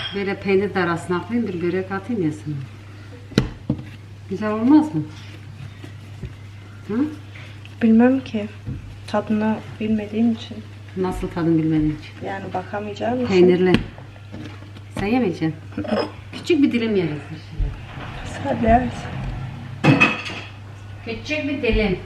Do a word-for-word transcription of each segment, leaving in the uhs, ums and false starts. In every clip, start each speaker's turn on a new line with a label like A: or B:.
A: Böyle peynir de arasına atayım, bir börek atayım ya sana. Güzel olmaz mı? Hı?
B: Bilmem ki. Tadını bilmediğim için.
A: Nasıl tadını bilmediğin için?
B: Yani bakamayacağım için.
A: Peynirli. Sen yemeyeceksin. Küçük bir dilim yeriz.
B: Hadi evet.
A: Küçük bir dilim.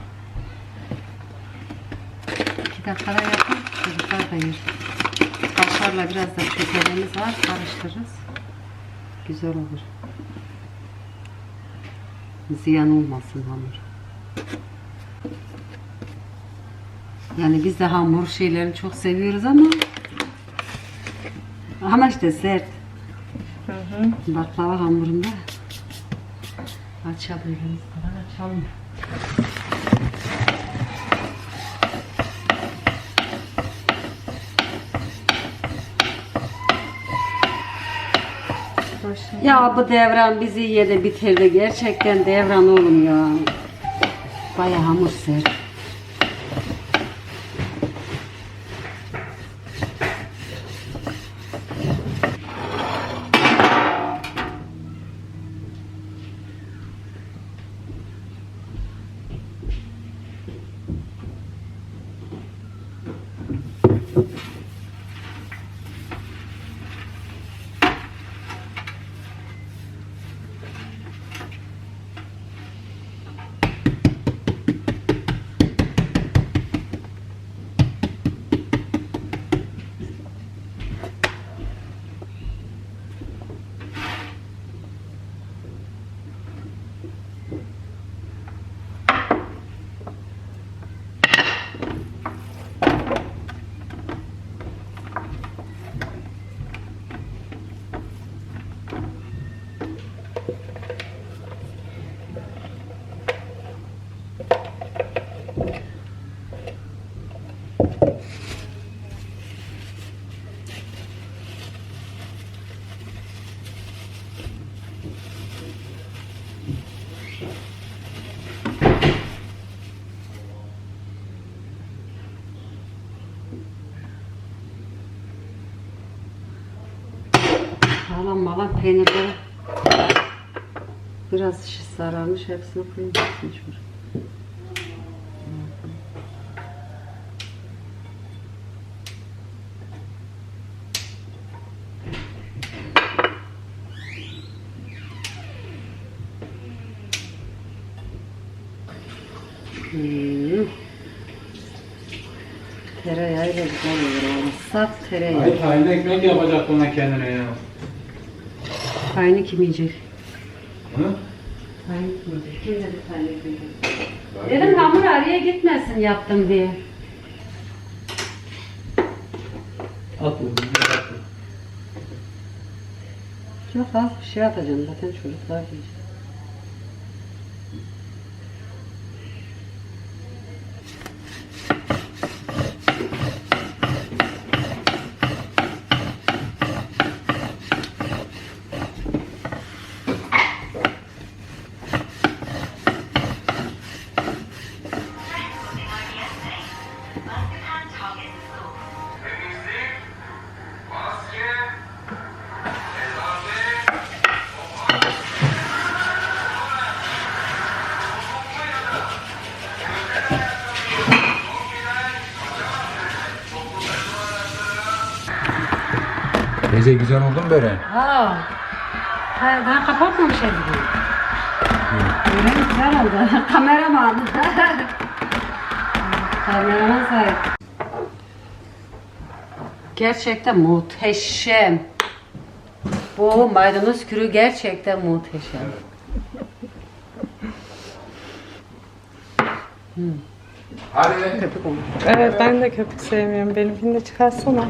A: İki dakikada yapın. Çocuklar da yer. Kaşarla biraz da şekerimiz var. Karıştırırız. Güzel olur. Ziyan olmasın hamur. Yani biz de hamur şeylerini çok seviyoruz ama ama işte sert.
B: Hı hı.
A: Baklava hamurunda açabildiğimiz kadar açalım. Ya bu devran bizi yedi bitirdi. Gerçekten devran oğlum ya. Bayağı hamur sert. Malan malan peynirleri biraz sararmış, hepsini koyayım. Hmm. Tereyağıyla güzel olur oğlum. Saf tereyağı.
C: Ay tayin ekmek yapacak ona kendine ya.
A: Tayini kim yiyecek?
C: Hı?
A: Tayini kim yiyecek? Kim dedi tayini kim yiyecek? Dedim hamur araya gitmesin yaptım diye.
C: At bunu. At.
A: Çok az bir şey atacağım zaten çocuklar yiyecek.
C: Teyze güzel oldu mu böyle?
A: Ha. Ha, ben kapatmamışım gibi. Böyle güzel oldu. Kameraman. Kameraman sahip. Gerçekten muhteşem. Bu maydanoz kürü gerçekten muhteşem. Hmm.
C: Hadi.
A: Köpük olmuş.
B: Evet ben de köpük sevmiyorum. Benimkini de çıkarsana.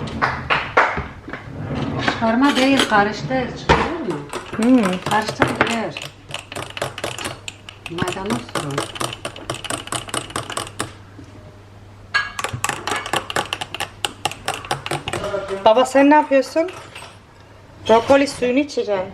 A: Çıkarma değil, karıştır. Çıkarır mı?
B: Hmm.
A: Karıştır bilir. Maydanoz sürün.
B: Baba sen ne yapıyorsun? Brokoli suyunu içeceksin.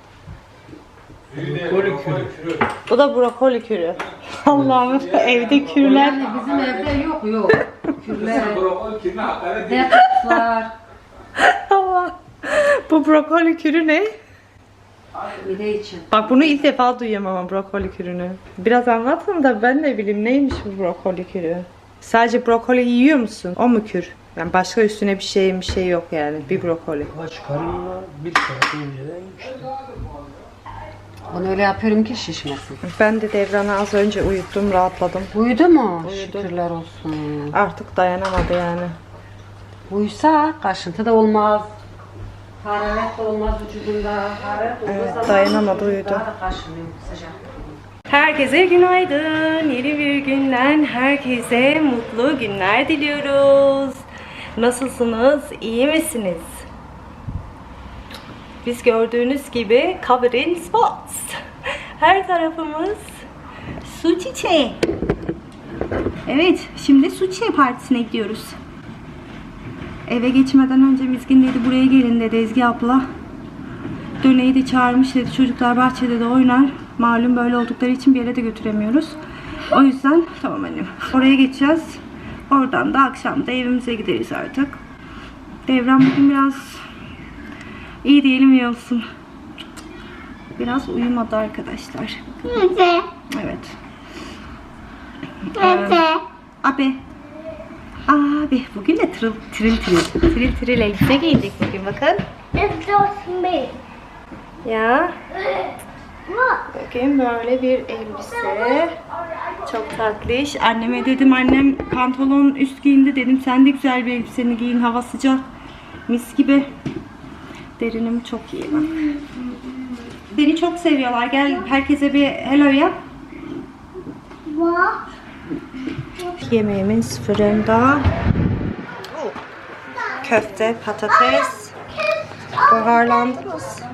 C: Brokoli kürü.
B: Bu da brokoli kürü. Allah'ım evde kürler.
A: Yani bizim evde yok yok. Kürler,
C: Brokoli kürüne hakaret değil.
A: detokslar.
B: Allah. Bu brokoli kürü ne?
A: Mide için.
B: Bak bunu ilk defa duyuyorum ama brokoli kürünü. Biraz anlatın da ben de bileyim neymiş bu brokoli kürü. Sadece brokoli yiyor musun? O mu kür? Yani başka üstüne bir şey bir şey yok yani. Bir brokoli.
D: Aç karınla bir saat önceden işte.
A: Bunu öyle yapıyorum ki şişmesin.
B: Ben de Devran'ı az önce uyuttum, rahatladım.
A: Uyudu mu?
B: Uyudu.
A: Şükürler olsun.
B: Artık dayanamadı yani.
A: Uyusa kaşıntı da olmaz. Hararet de olmaz vücudunda. Hararet olduğu
B: Evet,
A: zaman
B: dayanamadı, uyudu.
A: Daha da kaşınıyor sıcak.
B: Herkese günaydın. Yeni bir günden herkese mutlu günler diliyoruz. Nasılsınız? İyi misiniz? Biz gördüğünüz gibi covered spots. Her tarafımız su çiçeği. Evet, şimdi su çiçeği partisine gidiyoruz. Eve geçmeden önce Mizgin dedi buraya gelin dedi Ezgi abla. Döneyi de çağırmış dedi çocuklar bahçede de oynar. Malum böyle oldukları için bir yere de götüremiyoruz. O yüzden tamam annem. Oraya geçeceğiz. Oradan da akşam da evimize gideriz artık. Devran bugün biraz iyi diyelim iyi olsun. Biraz uyumadı arkadaşlar.
E: Nece?
B: Evet.
E: Nece?
B: Abi. Abi bugün de tril tril tril tril tril elbise giydik bugün bakın.
E: Evdosun bey.
B: Ya
E: Bak.
B: bugün böyle bir elbise. Çok tatlış. Anneme dedim annem pantolon üst giyindi dedim sen de güzel bir elbiseni giyin hava sıcak. Mis gibi. Derinim çok iyi bak. Seni çok seviyorlar. Gel herkese bir hello yap.
E: Bak.
B: Yemeğimiz fırında. Köfte, patates. Baharlandırız.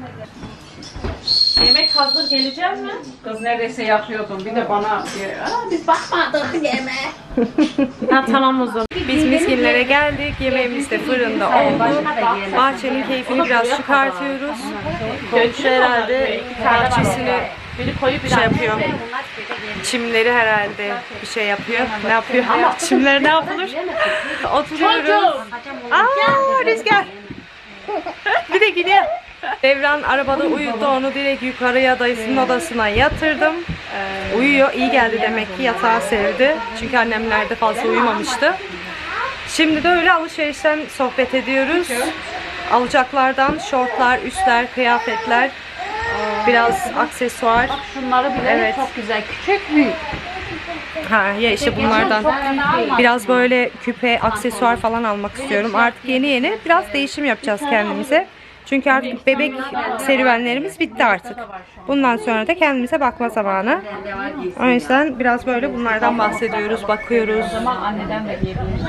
F: Yemek hazır geleceğim mi?
A: Kız neredeyse yapıyordum. Bir de bana
F: Aa, biz bakmadık yemeğe. Ha tamam o zaman.
B: Biz miskinlere geldik. Yemeğimiz de fırında oldu. Bahçenin keyfini biraz çıkartıyoruz. Komşu herhalde bahçesini
F: Biri koyup bir
B: şey yapıyor. Çimleri herhalde bir şey yapıyor. Ne yapıyor? Çimler ne yapılır? Oturuyoruz. Aa rüzgar. Bir de gidiyor. Devran arabada uyudu. Onu direkt yukarıya dayısının odasına yatırdım. Uyuyor. İyi geldi demek ki. Yatağı sevdi. Çünkü annemlerde fazla uyumamıştı. Şimdi de öyle alışverişten sohbet ediyoruz. Alacaklardan şortlar, üstler, kıyafetler, biraz aksesuar.
F: şunları bile
B: Evet.
F: çok güzel. Küçük büyük.
B: Ha ya işte bunlardan biraz böyle küpe, aksesuar falan almak istiyorum. Artık yeni yeni biraz değişim yapacağız kendimize. Çünkü artık bebek serüvenlerimiz bitti artık. Bundan sonra da kendimize bakma zamanı. O yüzden biraz böyle bunlardan bahsediyoruz, bakıyoruz.
F: Anneden de yiyebiliriz.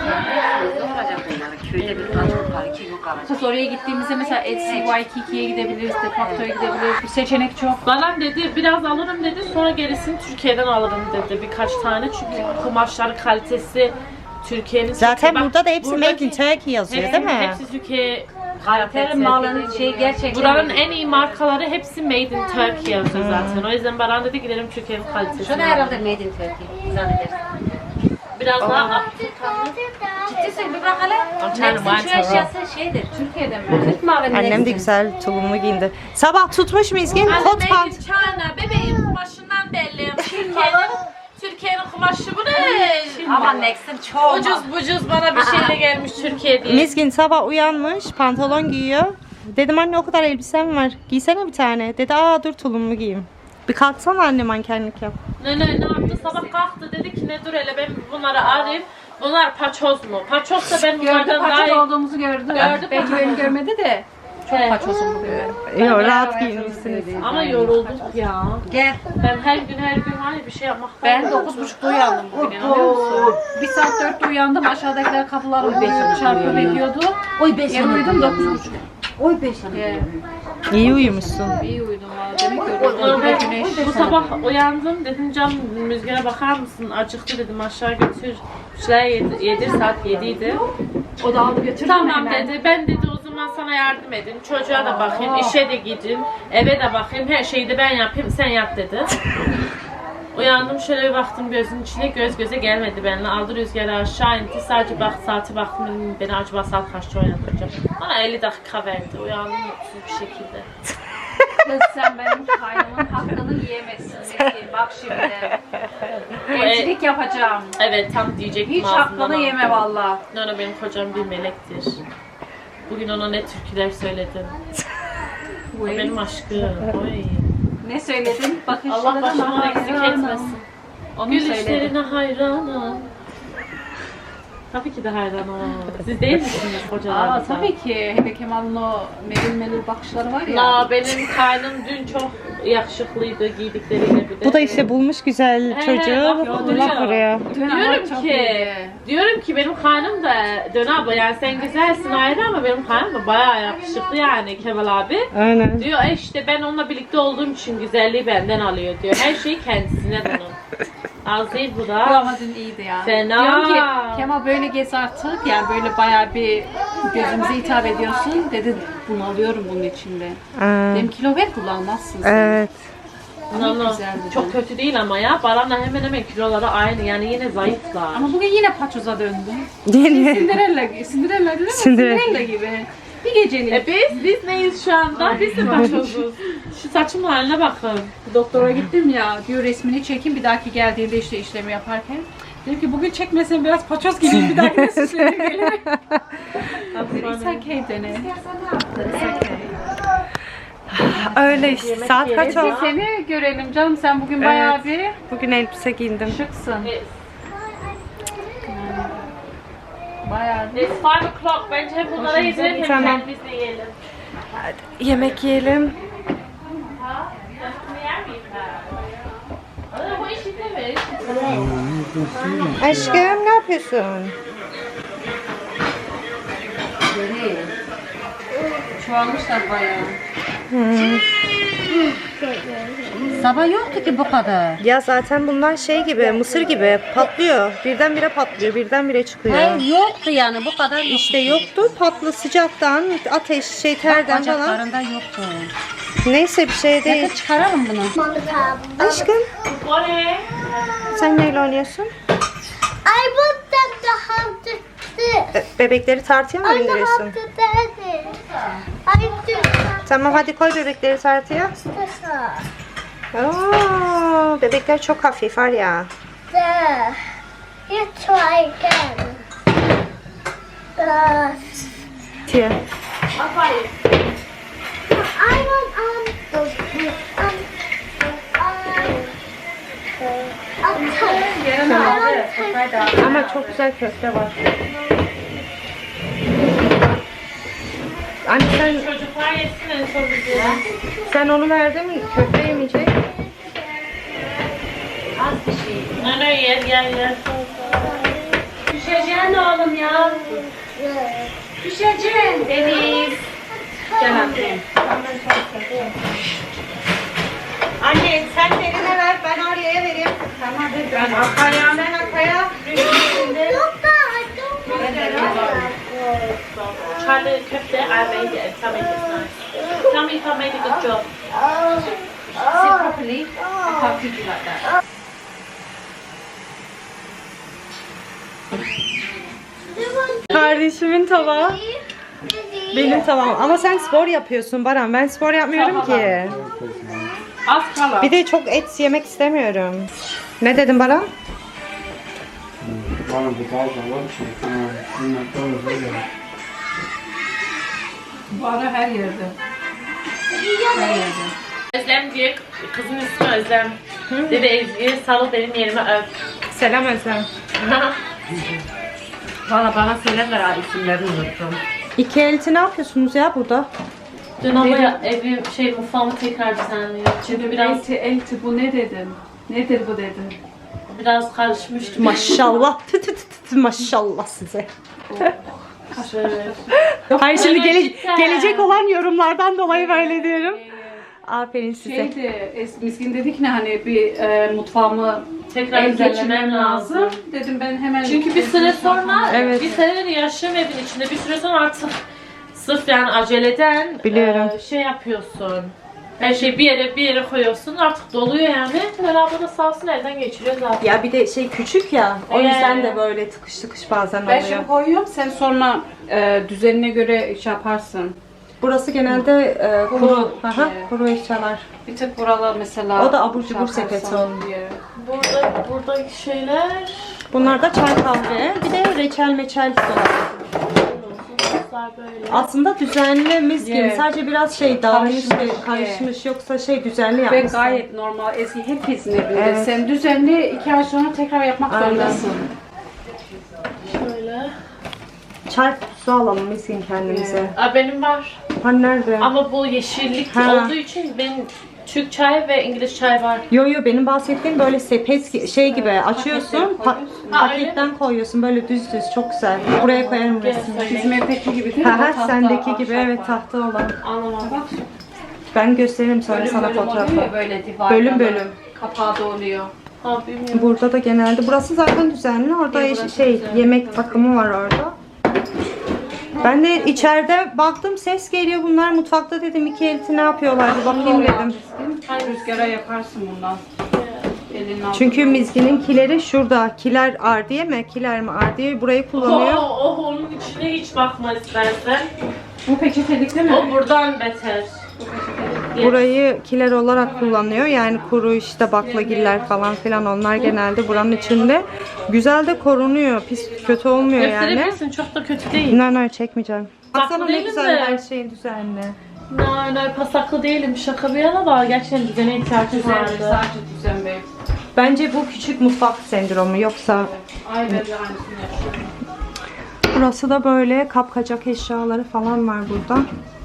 A: köyde bir kadın var. Kim o kalacak?
F: Kız oraya gittiğimizde mesela Etsy, Waikiki'ye gidebiliriz, Defacto'ya gidebiliriz. Bir seçenek çok. Bana dedi biraz alırım dedi, sonra gerisini Türkiye'den alırım dedi birkaç tane. Çünkü kumaşları kalitesi Türkiye'nin...
B: Zaten
F: Bak,
B: burada da hepsi Made in
F: buradaki-
B: Turkey yazıyor değil mi?
F: Hepsi Türkiye
A: Kaliteli malın şey gerçekten.
F: Buranın en iyi markaları hepsi Made in Turkey yazıyor zaten. O yüzden Baran dedi gidelim Türkiye'nin kalitesini.
A: Şunu herhalde made in Turkey zannedersin.
F: Biraz daha
A: Ciddisin bir bak hele.
F: Canım,
A: Next'in şu
F: ben
A: eşyası şeydir. Türkiye'den mi? Türk mavi
B: Annem de
A: Next'in.
B: güzel tulumlu giyindi. Sabah tutmuş Mizgin
F: Anne
B: kot
F: Made
B: pant.
F: in China bebeğin kumaşından belli. Türkiye'nin Türkiye'nin kumaşı bu ne?
A: Ama Next'in çok.
F: Ucuz bucuz bana bir şeyle gelmiş Türkiye diye.
B: Mizgin sabah uyanmış pantolon giyiyor. Dedim anne o kadar elbisem var. Giysene bir tane. Dedi aa dur tulumlu giyeyim. Bir kalksana anne mankenlik yap.
F: Ne ne ne yaptı? Sabah kalktı dedi ki ne dur hele ben bunları arayayım. Bunlar paçoz mu? Paçozsa ben
A: Gördü
F: bunlardan daha
A: paçoz
F: iyi.
A: olduğumuzu gördü.
F: Gördü
A: Belki
F: paçoz.
A: beni görmedi de. Çok
F: Evet.
A: paçozum bugün.
B: Yok rahat giyinmişsiniz.
F: Ama yorulduk ya.
A: Gel.
F: Ben her gün her gün var ya bir şey yapmaktan.
A: Ben dokuz buçukta uyandım bugün inanıyor musun? Bir saat dörtte uyandım. Aşağıdakiler kapıları bekliyordu, çarpı bekliyordu. Oy beş yanı uyudum dokuz buçuk. Oy beş yanı.
B: İyi uyumuşsun.
A: İyi uyudum valla. Demek ki yoruldum. Bir de güneş.
F: Bu sabah uyandım dedim can Müzgar'a bakar mısın? Acıktı dedim aşağı götür. Şeyler yedi, yedi saat yediydi.
A: O da aldı götürdü
F: Tamam dedi. Ben dedi o zaman sana yardım edin. Çocuğa da bakayım, işe de gidin, eve de bakayım. Her şeyi de ben yapayım, sen yap dedi. Uyandım şöyle bir baktım gözün içine, göz göze gelmedi benimle. Aldı rüzgarı aşağı indi. Sadece bak saati baktım dedim, beni acaba saat kaçta uyandıracak. Bana elli dakika verdi. Uyandım mutsuz bir şekilde.
A: Kız sen benim kaynımın hakkını yiyemezsin. Metin. Bak şimdi. Elçilik yapacağım.
F: Evet tam diyecektim
A: Hiç
F: ağzımdan
A: hakkını
F: aldım.
A: yeme valla.
F: Nana benim kocam bir melektir. Bugün ona ne türküler söyledim. O benim aşkım. Oy.
A: Ne söyledin? Bakışlarına
F: Allah başımdan eksik
A: hayranım.
F: etmesin.
A: Onu söyledim.
F: Gülüşlerine hayranım. Tabii ki de hayranım. Siz değil misiniz
A: Aa,
F: kocalarınıza?
A: tabii ki. Hele Kemal'ın o melil melil bakışları var ya.
F: La benim kaynım dün çok yakışıklıydı giydikleriyle bir de.
B: Bu da işte bulmuş güzel
F: He,
B: çocuğu.
F: bak,
B: Allah
F: duruyor.
B: koruyor.
A: Dün ama
F: Diyorum
A: çok
F: ki,
A: iyiydi.
F: diyorum ki benim kaynım da Dön abla yani sen güzelsin ayrı ama benim kaynım da bayağı yakışıklı yani Kemal abi.
B: Aynen.
F: Diyor e işte ben onunla birlikte olduğum için güzelliği benden alıyor diyor. Her şeyi kendisine bunun. Az değil bu
A: Bu
F: da.
A: ama dün iyiydi yani.
F: Fena.
A: Diyorum ki Kemal böyle gez artık yani böyle bayağı bir gözümüze hitap ediyorsun. Dedi bunu alıyorum bunun içinde.
B: Aa,
A: Dedim kilo ver kullanmazsın sen.
B: evet.
F: No, no.
A: güzeldi
F: Çok
A: de.
F: kötü değil ama ya. Baran'la hemen hemen kiloları aynı yani yine zayıflar.
A: Ama bugün yine paçoza döndüm.
B: Yine.
A: Cinderella, Cinderella değil mi?
B: Cinderella.
A: Cinderella gibi. Bir gecelik.
F: E biz, biz neyiz şu anda? Biz de başozuz. Şu saçımın haline bakın.
A: Doktora gittim ya, diyor resmini çekeyim bir dahaki geldiğinde işte işlemi yaparken. Dedim ki bugün çekmesem biraz paçoz gibiyim bir dahaki de süslerim gelirim. It's okay dene. It's okay.
B: Öyle işte. Saat kaç
A: Peki
B: oldu?
A: seni görelim canım, sen bugün bayağı bir
B: Bugün elbise giyindim.
A: şıksın.
F: It's,
A: Bayağı bir.
F: it's five o'clock. Bence bunlara yedirelim hem
B: Tamam.
F: kendimiz de yiyelim.
B: Yemek yiyelim.
F: Ha? Bunu yer miyim ben? Aa, bu işi de ver.
B: Aşkım ne yapıyorsun?
A: Çoğalmışlar bayağı.
G: Sabah yoktu ki bu kadar.
B: Ya zaten bunlar şey gibi, mısır gibi patlıyor. Birdenbire patlıyor, birdenbire çıkıyor.
G: Hayır yoktu yani bu kadar yoktu.
B: İşte yoktu, patlı sıcaktan, ateş, şey terden falan.
G: Bacaklarında yoktu.
B: Neyse bir şey değil.
G: Neyse çıkaralım bunu.
B: Aşkım
F: Bu ne?
B: sen neyle oynuyorsun?
E: I want them to have the this.
B: Be- Bebekleri tartıya mı
E: I want to
B: bindiriyorsun?
E: have the this. I do
B: Tamam hadi koy bebekleri tartıya.
E: this.
B: Oo, bebekler çok hafif var ya.
E: There. You try again. This.
B: Tiye.
F: Aferin.
E: I want um those um um
B: Ama çok güzel köfte var. Anne sen,
F: Çocuklar yesin en son bizi.
B: sen onu verdin mi? Köfte yemeyecek.
F: Az bir şey. Ne ne yer yer yer. Düşeceksin oğlum ya. Düşeceksin. Deniz. Gel anne.
B: Anne sen eline ver ben Arya'ya vereyim. Tamam ben arkaya ben arkaya.
F: Charlie köfte, I made it. Tell me if it's nice. Tell me if I made a good job.
A: Sit properly. I can't feed you like that.
B: Kardeşimin tabağı. Benim tavam. Ama sen spor yapıyorsun Baran. Ben spor yapmıyorum ki.
F: Az kala.
B: Bir de çok et yemek istemiyorum. Ne dedin Baran?
D: Bana bir daha alalım şey. Bunlar da öyle.
A: Bu ara her yerde. Her yerde.
F: Özlem diye kızın ismi Özlem. Dedi Ezgi sarıl benim yerime öp.
B: Selam Özlem.
G: Valla bana söylerler ha isimlerini unuttum.
B: İki elti ne yapıyorsunuz ya burada?
F: Dün ama evi şey mutfağımı tekrar düzenliyor. Çünkü biraz
A: Elti, elti bu ne dedin? Nedir bu dedin?
F: biraz karışmıştı.
B: Maşallah. Tü tü tü tü, maşallah size.
F: Şöyle.
B: Hayır şimdi gele-
F: Cidden.
B: gelecek olan yorumlardan dolayı böyle diyorum. Aferin size.
A: Şeydi, Es- Miskin dedik ne hani bir e, mutfağımı
F: Tekrar
A: ellemem
F: geçmem lazım.
A: lazım. Dedim ben hemen...
F: Çünkü bir süre sonra
B: Evet.
F: bir senedir yaşıyorum evin içinde. Bir süre sonra artık sırf yani aceleden
B: Biliyorum.
F: e, şey yapıyorsun. Her şeyi bir yere bir yere koyuyorsun artık doluyor yani. Beraber de sağ olsun elden geçiriyor zaten.
B: Ya bir de şey küçük ya. O
F: Ee.
B: yüzden de böyle tıkış tıkış bazen
A: Ben
B: oluyor.
A: şimdi koyuyorum. Sen sonra e, düzenine göre şey yaparsın.
B: Burası genelde e, kuru,
A: Kuru.
B: aha,
A: Evet.
B: kuru eşyalar.
A: Bir tek buralar mesela.
B: O da abur cubur
A: şey yaparsan
B: sepeti onun.
A: diye.
F: Burada buradaki şeyler
B: Bunlar da çay kahve. Bir de reçel meçel dolabı.
F: böyle.
B: Aslında düzenli mis gibi.
A: Evet.
B: Sadece biraz şey dağılmış,
A: Karışmış,
B: ve karışmış. Yoksa şey düzenli
A: Ve
B: yapmışsın.
A: gayet normal. Eski hepimizin evinde.
B: Evet.
A: Sen düzenli iki ay sonra tekrar yapmak
B: Aynen.
A: zorundasın.
F: Şöyle.
B: Çay kutusu alalım miskin kendimize.
F: Aa, benim var.
B: Hani nerede?
F: Ama bu yeşillik
B: Ha.
F: olduğu için benim Türk çay ve İngiliz çay var.
B: Yo yo benim bahsettiğim böyle sepet gi- şey gibi açıyorsun, pa-
A: koyuyorsun.
F: Ha,
B: paketten koyuyorsun böyle düz düz çok güzel. Buraya koyarım
F: Gel
B: resmini.
F: söyle.
A: Bizim evdeki gibi değil mi?
B: Ha
A: O
B: ha
A: tahta
B: sendeki gibi
A: ahşap
B: evet
A: var.
B: tahta olan.
F: Anlamadım.
A: Bak,
B: Ben gösteririm sonra
A: bölüm
B: sana
A: bölüm oluyor
B: fotoğrafı.
A: ya böyle divarlar.
B: Bölüm bölüm.
A: Kapağı da oluyor.
F: Ha bilmiyorum.
B: Burada da genelde burası zaten düzenli. Orada
F: Ya,
B: iş-
F: burası
B: şey
F: düzenli.
B: yemek takımı var orada. Ben de içeride baktım ses geliyor bunlar mutfakta dedim iki elti ne yapıyorlar bir bakayım dedim.
A: Hayır rüzgara yaparsın bundan. Elin altına.
B: Çünkü Mizgi'nin kileri şurada. Kiler ardiye mi? Kiler mi ardiye? Burayı kullanıyor.
F: Oh, oh, onun içine hiç bakma istersen.
A: Bu peçetelik değil mi?
F: O buradan beter.
B: Burayı kiler olarak kullanıyor. Yani kuru işte baklagiller falan filan onlar genelde buranın içinde. Güzel de korunuyor. Pis kötü olmuyor yani.
F: Gösterebilirsin çok da kötü değil.
B: No no çekmeyeceğim. Baksana ne
F: değilim
B: güzel
F: de.
B: her şeyin düzenli.
F: No no pasaklı değilim şaka bir yana da gerçekten düzene ihtiyacım
A: Düzen,
F: vardı.
A: sadece düzen bey.
B: Bence bu küçük mutfak sendromu yoksa
A: Ay ben de aynısını yapıyorum.
B: burası da böyle kapkacak eşyaları falan var burada.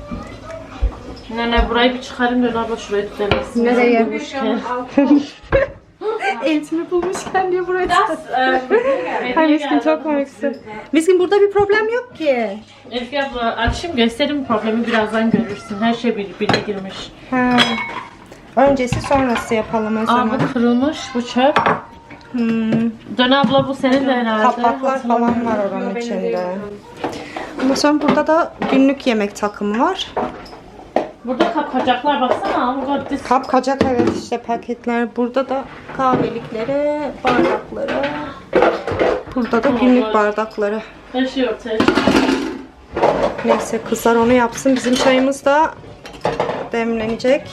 F: Ne ne burayı bir çıkarayım da abla şurayı düzenlesin.
B: Nereye?
F: Bulmuşken.
B: Eltimi bulmuşken diye buraya
F: That's, um,
B: Ay Miskin çok komiksin. Miskin burada bir problem yok ki.
F: Ezgi abla açayım göstereyim problemi birazdan görürsün. Her şey birbirine girmiş.
B: Ha. Öncesi sonrası yapalım o
F: Aa
B: zaman.
F: bu kırılmış bu çöp.
B: Hmm.
F: Dön abla bu senin de herhalde.
B: Kapaklar falan var oranın içinde. Ondan sonra burada da günlük yemek takımı var.
F: Burada kapkacaklar baksana. Burada dis-
B: Kapkacak evet işte paketler. Burada da kahvelikleri, bardakları. Burada da günlük bardakları.
F: Her şey ortaya çıkıyor.
B: Neyse kızlar onu yapsın. Bizim çayımız da demlenecek.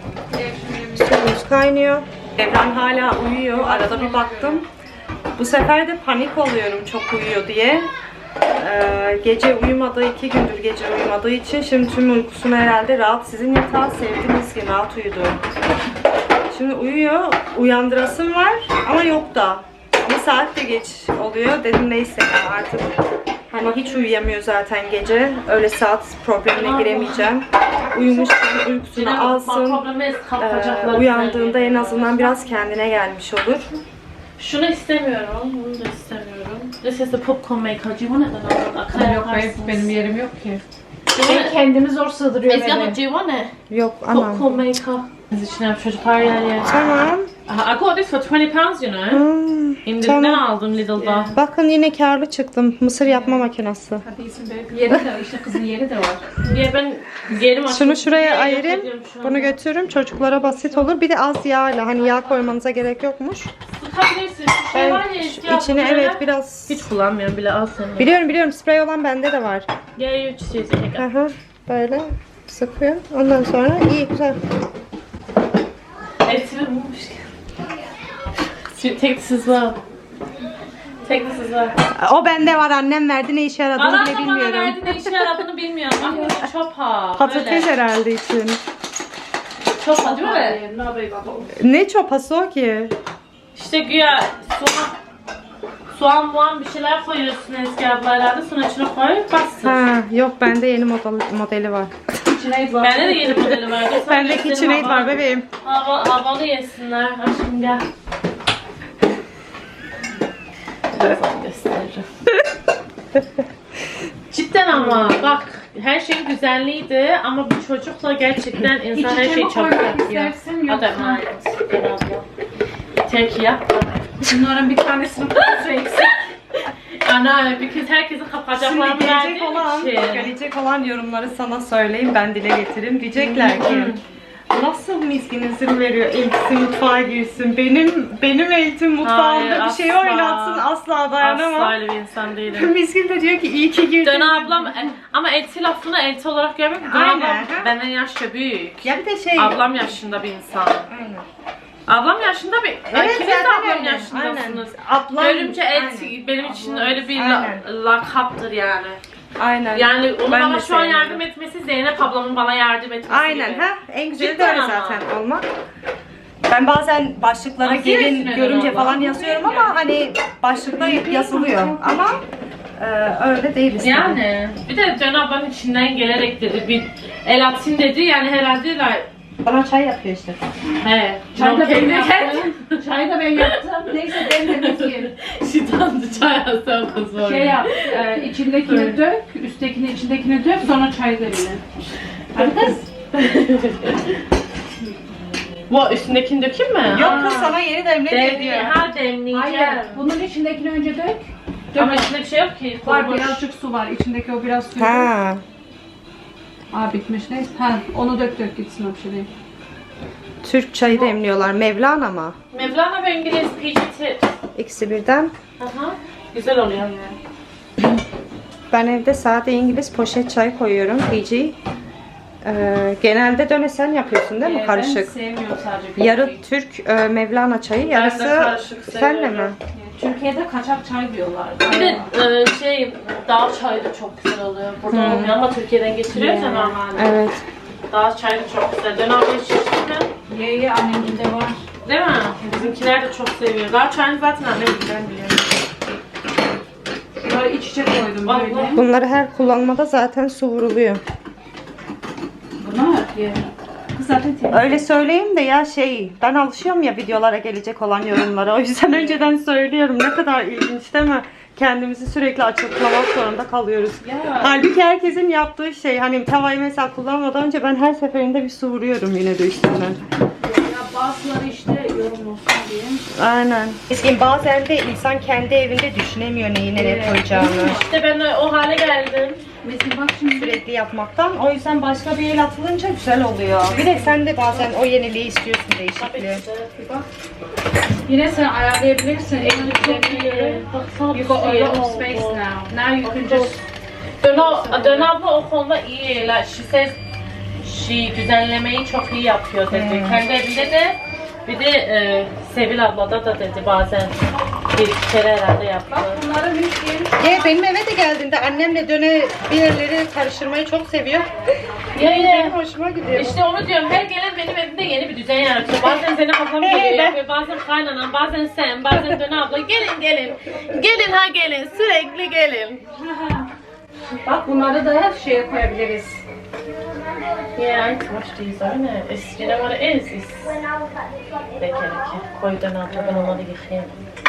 B: Suyumuz kaynıyor. Evren hala uyuyor. Arada bir baktım. Bu sefer de panik oluyorum çok uyuyor diye. Ee, gece uyumadığı, iki gündür gece uyumadığı için şimdi tüm uykusunu herhalde rahat. Sizin yatağı sevdiğiniz gibi rahat uyudu. Şimdi uyuyor. Uyandırasım var ama yok da. Bir saat de geç oluyor. Dedim neyse ya artık. Hani hiç uyuyamıyor zaten gece. Öyle saat problemine giremeyeceğim. Uyumuşken uykusunu alsın.
F: Problemi
B: Ee,
F: kapkacaklar.
B: uyandığında en azından biraz kendine gelmiş olur.
F: Şunu istemiyorum. Bunu da istemiyorum. This is the popcorn maker. Do you want it then? Akar
A: Yok benim,
F: yaparsınız.
A: benim yerim yok ki.
F: Do you want it?
A: Kendimi zor sığdırıyorum
F: Ezgi abla
A: eve.
F: do you want it?
B: Yok anam.
F: Popcorn maker. Biz içine çocuklar yer yer.
B: Tamam.
F: I got this for twenty pounds you know.
B: Hmm,
F: İndirimden
B: tamam.
F: aldım Lidl'da.
B: Bakın yine karlı çıktım. Mısır yapma makinesi.
A: Hadi iyisin be. Yeri de işte kızın yeri de var.
F: Ya ben gerim açtım.
B: Şunu şuraya
F: Yok
B: ayırayım.
F: ediyorum şu
B: Bunu
F: anda.
B: götürürüm. Çocuklara basit olur. Bir de az yağla. Hani yağ koymanıza gerek yokmuş.
F: Sıkabilirsin. Şu şey
B: Ben
F: var ya Ezgi abla,
B: içine
F: böyle.
B: evet biraz...
F: Hiç kullanmıyorum bile al seni.
B: Biliyorum biliyorum sprey olan bende de var.
F: Gel you just use it.
B: Aha, böyle sıkıyor. Ondan sonra iyi güzel.
F: Etimi bulmuşken. Take this as well. Take this as well.
B: O bende var annem verdi ne işe yaradığını
F: Bana
B: bile
F: da bana
B: bilmiyorum.
F: verdi ne işe yaradığını bilmiyorum. Bak bu çopa.
B: Patates herhalde için.
F: Çopa değil mi?
A: Hayır, ne yapayım baba?
B: Ne çopası o ki?
F: İşte güya soğan, soğan muan bir şeyler koyuyorsun Ezgi abla herhalde. Sonra içine koy bastır.
B: Ha, yok bende yeni model, modeli var.
A: İçine var.
F: Bende de yeni modeli var. Göster
B: Bende
F: göstereyim
B: KitchenAid
F: hava-
B: var bebeğim.
F: Hava, havalı yesinler. Aşkım gel. Birazdan gösteririm. Cidden ama bak her şey güzelliydi ama bu çocukla gerçekten insan her şeyi çabuk yapıyor.
A: istersin
F: Hadi
A: yoksa?
F: emanet. Gel abla. Tek yap.
A: Bunların bir tanesini kutusu eksik.
F: Ana, because herkesin kapacaklarını
B: Şimdi gelecek
F: verdiğim
B: olan,
F: için.
B: gelecek olan yorumları sana söyleyeyim ben dile getireyim. Diyecekler ki Nasıl Miskin izin veriyor eltisi mutfağa girsin? Benim benim eltim mutfağımda
F: Hayır,
B: bir şey
F: asla.
B: oynatsın asla dayanamam.
F: Asla öyle bir insan değilim.
B: Miskin de diyor ki iyi ki girdin.
F: Döna ablam e, ama elti lafını elti olarak görmüyorum. Döna
B: Aynen,
F: ablam
B: ha.
F: benden yaşça büyük.
B: Ya bir de şey.
F: Ablam yaşında bir insan.
B: Aynen.
F: Ablam yaşında bir...
B: Evet,
F: İkiniz de
B: zaten
F: ablam
B: öyle.
F: yaşındasınız.
B: Ablam.
F: Görümce elti
B: Aynen.
F: benim için öyle bir la,
B: Aynen.
F: lakaptır yani.
B: Aynen.
F: Yani onun
B: Ben
F: bana
B: de
F: şu an
B: sevmiyorum.
F: yardım etmesi Zeynep ablamın bana yardım etmesi
B: Aynen
F: gibi.
B: ha. En güzeli de
F: Cidden
B: öyle
F: ama.
B: zaten olmak. Ben bazen başlıklara
F: Ama
B: gelin
F: sevsin
B: görümce
F: öyle
B: falan
F: abla.
B: yazıyorum ama hani başlıkta yazılıyor. Ama e, öyle değil işte.
F: Yani bir de Dön ablanın içinden gelerek dedi bir el atayım dedi yani herhalde la...
B: Bana çay yapıyor işte.
F: He.
A: Çay da ben
F: kendi
A: yaptım. Çay da ben yaptım. Neyse ben de Miskin.
F: Şitandı çay alsam kız var.
A: Şey yap, e, içindekini dök, üsttekini içindekini dök, sonra çay da bile. Hadi kız.
F: Bu üstündekini dökeyim mi?
B: Yok kız sana yeni demlik
F: Demli,
B: ediyor.
F: ha demleyeceğim.
A: Hayır, bunun içindekini önce dök. Dök.
F: Ama içinde bir şey yok ki.
A: Var
F: kurumuş.
A: birazcık su var, içindeki o biraz su.
B: Ha.
A: Aa bitmiş neyse. Ha onu dök dök gitsin o bir şey değil.
B: Türk çayı demliyorlar. Mevlana mı?
F: Mevlana ve İngiliz P G T.
B: İkisi birden.
F: Aha. Güzel oluyor yani.
B: Ben evde sade İngiliz poşet çay koyuyorum. P G. Ee, genelde döne sen yapıyorsun değil mi?
A: Ee,
B: Karışık.
A: Ben sevmiyorum sadece.
B: Yarı Türk e, Mevlana çayı, yarısı
F: karışık
B: senle mi?
F: seviyorum.
A: Türkiye'de kaçak çay diyorlar.
F: Bir de e, şey dağ çayı da çok güzel oluyor. Burada olmuyor ama Türkiye'den getiriyoruz ya normalde.
B: Evet.
F: Dağ çayı da çok güzel. Dön abla hiç içtin mi?
A: Ye ye annemgilde var.
F: Değil mi? Bizimkiler de çok seviyor. Dağ çayını zaten annem bizden biliyor.
A: Şuraya iç içe koydum
F: Allah.
A: böyle.
B: Bunları her kullanmada zaten su vuruluyor.
A: Bunlar ye. Kız zaten temiz.
B: Öyle söyleyeyim de ya şey, ben alışıyorum ya videolara gelecek olan yorumlara. O yüzden önceden söylüyorum. Ne kadar ilginç değil mi? Kendimizi sürekli açıklamak zorunda kalıyoruz.
A: Ya.
B: Halbuki herkesin yaptığı şey, hani tavayı mesela kullanmadan önce ben her seferinde bir su vuruyorum yine de üstünden.
A: Ya bazıları işte yorum olsun diye.
B: Aynen. Eskiden bazen de insan kendi evinde düşünemiyor neyi nereye
A: Evet.
B: koyacağını.
F: İşte ben o hale geldim.
A: Mesela bak şimdi
B: Sürekli yapmaktan. O yüzden başka bir el atılınca güzel oluyor. Bir de sen de bazen o yeniliği istiyorsun, değişikliği.
A: yine sen ayarlayabilirsin. Elini düzenliyor.
F: Baksana
A: You got a
F: bir
A: lot
F: şey
A: of
F: oldu.
A: space now. Now you can just
F: Dön, ab- Dön abla o konuda iyi. Like, she says she düzenlemeyi çok iyi yapıyor dedi.
B: Hmm.
F: Kendi evinde de bir de e, Sevil ablada da dedi bazen bir iki kere herhalde yaptı.
A: bunları Miskin.
B: Ya benim eve de geldiğinde annemle döne bir yerleri karıştırmayı çok seviyor.
F: Ya
B: Benim
F: yine
B: hoşuma gidiyor.
F: işte onu diyorum her gelen benim evimde yeni bir düzen yaratıyor. Bazen Zeynep ablam geliyor yapıyor, bazen kaynanan, bazen sen, bazen Dön abla. Gelin gelin, gelin ha gelin, sürekli gelin.
A: Bak bunları da şeye koyabiliriz.
F: Yeah, I wash these, aren't it? It's, you know what it is? It's lekereke. Koy Dön abla, ben onları yıkayayım.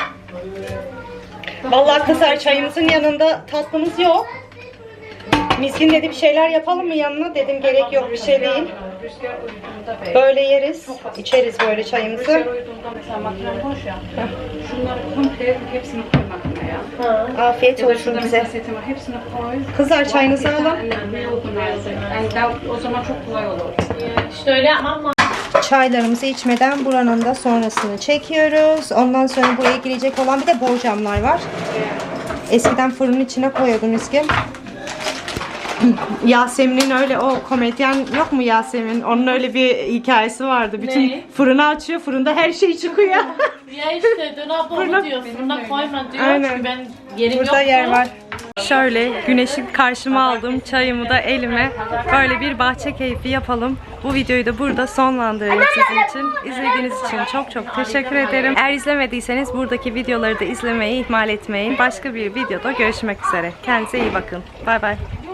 B: Vallahi kızlar çayımızın yanında tatlımız yok. Miskin dedi bir şeyler yapalım mı yanına? Dedim gerek yok bir şey değil.
A: Rüzgar uyuduğunda be.
B: Böyle yeriz, içeriz böyle çayımızı.
A: Rüzgar uyuduğunda mesela makine boş ya. Şunları komple hepsini koy makineye.
F: Ha.
B: Afiyet
A: Ya da
B: olsun
A: şurada
B: bize.
A: mesela setim var. Hepsini koy.
B: Kızlar çayınızı alın.
A: Yani daha- o zaman çok kolay olur.
F: İşte öyle yapmam lazım.
B: Çaylarımızı içmeden buranın da sonrasını çekiyoruz. Ondan sonra buraya girecek olan bir de borcamlar var. Eskiden fırının içine koyuyordum Miskin. Yasemin'in öyle o komedyen yok mu Yasemin? Onun öyle bir hikayesi vardı. Bütün
F: Ne?
B: fırını açıyor, fırında her şey çıkıyor.
F: Ya işte Dön abla onu diyor, fırına koyma diyor.
B: Aynen.
F: Çünkü ben yerim
B: Burada
F: yok.
B: yer var. Şöyle güneşi karşıma aldım, çayımı da elime. Böyle bir bahçe keyfi yapalım. Bu videoyu da burada sonlandırıyorum sizin için. İzlediğiniz için çok çok teşekkür ederim. Eğer izlemediyseniz buradaki videoları da izlemeyi ihmal etmeyin. Başka bir videoda görüşmek üzere. Kendinize iyi bakın. Bay bay.